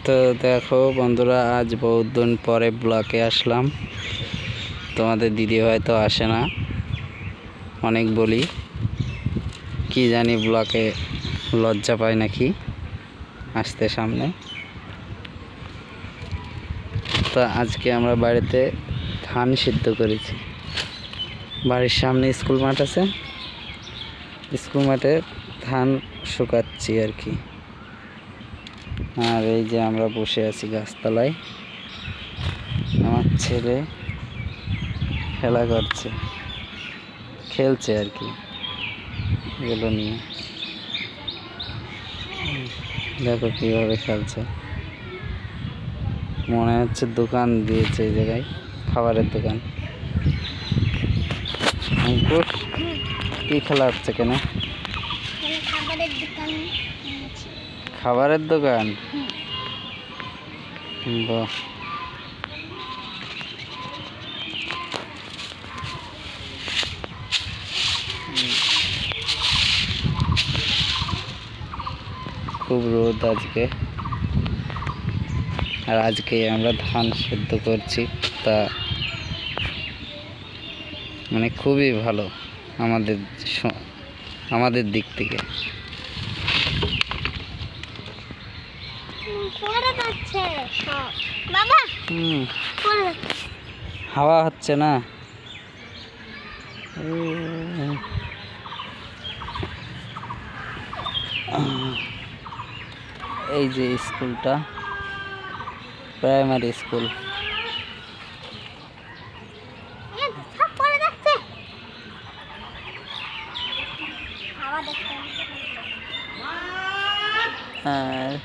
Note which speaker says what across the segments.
Speaker 1: তো দেখো বন্ধুরা, আজ বহুত দিন পরে ব্লকে আসলাম। তোমাদের দিদি হয়তো আসে না, অনেক বলি, কি জানি ব্লকে লজ্জা পায় নাকি আসতে সামনে। তো আজকে আমরা বাড়িতে ধান সিদ্ধ করেছি। বাড়ির সামনে স্কুল মাঠ আছে, স্কুল মাঠে ধান শুকাচ্ছি আর কি। আর এই যে আমরা বসে আছি গাছতলায়, আমার ছেলে খেলা করছে, খেলছে আর কি এগুলো নিয়ে। দেখো কীভাবে খেলছে, মনে হচ্ছে দোকান দিয়েছে এই জায়গায়, খাবারের দোকান। অঙ্কুশ, কি খেলা হচ্ছে কেন? খাবারের দোকান। বাহ, খুব রোদ আজকে, আর আজকে আমরা ধান সেদ্ধ করছি। তা মানে খুবই ভালো আমাদের দিক থেকে। হাওয়া হচ্ছে না? এই যে স্কুলটা প্রাইমারি স্কুল। আর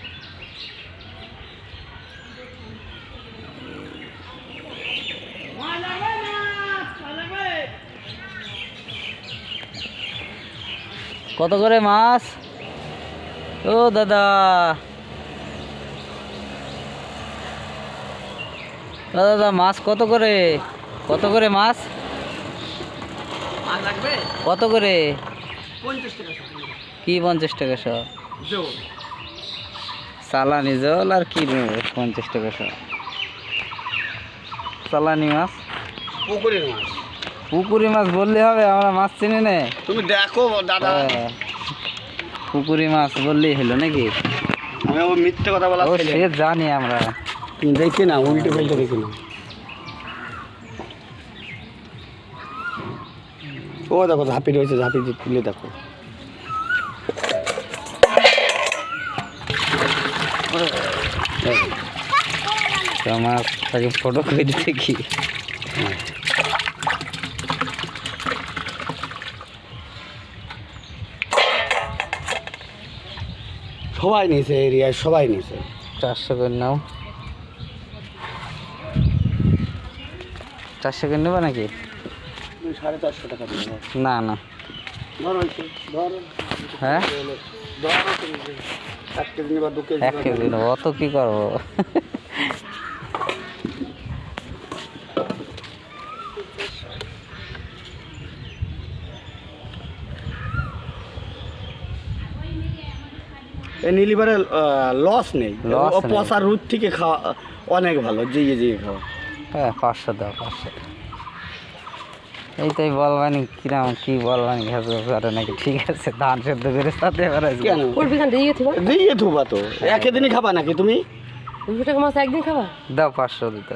Speaker 1: কত করে মাছ? ও দাদা, দাদা মাছ কত করে? কত করে মাছ? কত করে?
Speaker 2: 50 টাকা।
Speaker 1: কি 50 টাকা শো? চালানি জল আর কি নেব? 50 টাকা শো চালানি মাছ।
Speaker 2: পুকুরের মাছ।
Speaker 1: পুকুরি মাছ বললে হবে? আমরা মাছ চিনি না।
Speaker 2: তুমি দেখো দাদা,
Speaker 1: পুকুরি মাছ বললেই হলো নাকি?
Speaker 2: আমি ও মিথ্যে কথা বলা
Speaker 1: সে জানি আমরা।
Speaker 2: দেখি না, উল্টে পাল্টে দেখি না। ও দেখো ঝাঁপি রয়েছে, ঝাঁপি তুলে দেখো।
Speaker 1: আমার তাকে ফটো করে দিতে কি?
Speaker 2: সবাই নিয়েছে, এরিয়ায় সবাই নিয়েছে।
Speaker 1: 400 করে নাও। 400 করে নেবা নাকি?
Speaker 2: 450 টাকা দিবে
Speaker 1: না না,
Speaker 2: ধরো ধরো।
Speaker 1: হ্যাঁ,
Speaker 2: ধরো 1 কেজি বা 2 কেজি।
Speaker 1: 1 কেজি নেবো, অত কি করবো?
Speaker 2: এই নীলিবারে লস নেই, পচার রুট থেকে খাওয়া অনেক ভালো, জিয়ে জিয়ে খাওয়া।
Speaker 1: হ্যাঁ, 500 দাও, 500। এইটাই বলবানি কিরাম, কি বলবানি ঘাস ঘাস নাকি? ঠিক আছে, ধান সেদ্ধ করে সাথে
Speaker 2: কেন দিয়ে থুবা তো একদিনই খাবা নাকি তুমি?
Speaker 3: 200 টাকা মাছ একদিন খাবা?
Speaker 1: দাও 500 দিতে।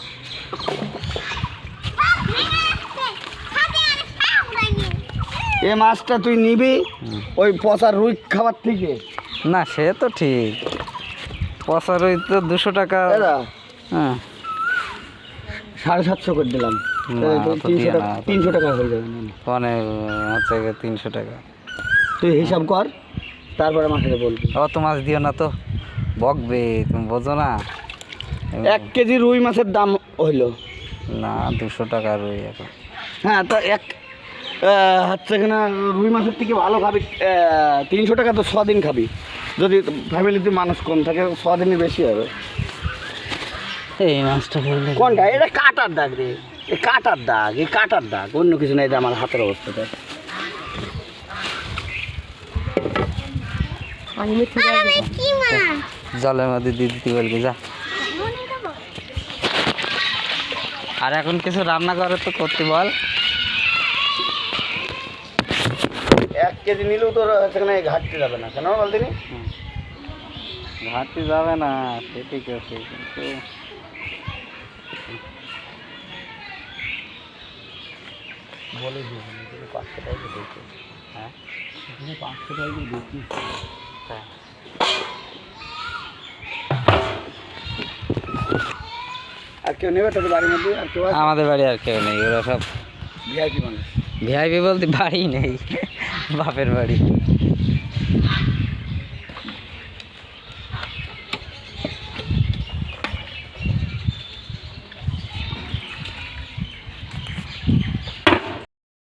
Speaker 2: এই মাছটা তুই নিবি ওই পচার রুই খাবার থেকে?
Speaker 1: না, সে তো ঠিক, পচা রুই তো 200 টাকা। হ্যাঁ,
Speaker 2: 750 করে দিলাম। 300 টাকা হয়ে যাবে।
Speaker 1: অনেক হচ্ছে 300 টাকা।
Speaker 2: তুই হিসাব কর, তারপরে আমাকে বলবি।
Speaker 1: অত মাছ দিও না তো, বকবে, তুমি বোঝো না।
Speaker 2: 1 কেজি রুই মাছের দাম হইলো
Speaker 1: না 200 টাকা রুই এখন।
Speaker 2: হ্যাঁ, তো হচ্ছে কিনা রুই মাছের থেকে ভালো খাবি। 300 টাকা তো 6 দিন খাবি, যদি ফ্যামিলিতে মানুষ কম থাকে 6 দিনই বেশি হবে।
Speaker 1: এই মাছটা খেলে
Speaker 2: কোনটা? এটা কাটার দাগ রে, এই কাটার দাগ, এই কাটার দাগ, অন্য কিছু নেই। আমার হাতের অবস্থাটা
Speaker 3: পানি মেরে থেকে আসবে।
Speaker 1: জলের মধ্যে দিয়ে দিতে বলবি যা। আর এখন কিছু রান্না করে তো করতে বল।
Speaker 2: 1 কেজি নিলেও তোর সেখানে ঘাটতে যাবে না, কেন বল দিনি?
Speaker 1: ঘাটতি যাবে না, সে ঠিক আছে, কিন্তু
Speaker 2: বলে দিই 500 টাকা দিতে।
Speaker 1: হ্যাঁ
Speaker 2: 500 টাকা দিচ্ছি।
Speaker 1: হ্যাঁ।
Speaker 2: আর কেউ নেবে তোদের বাড়ির মধ্যে? আর কেউ
Speaker 1: আমাদের বাড়ি আর কেউ নেই, ওরা সব
Speaker 2: ভিআইপি মানুষ।
Speaker 1: ভিআইপি বলতে বাড়ি নেই, বাপের বাড়ি।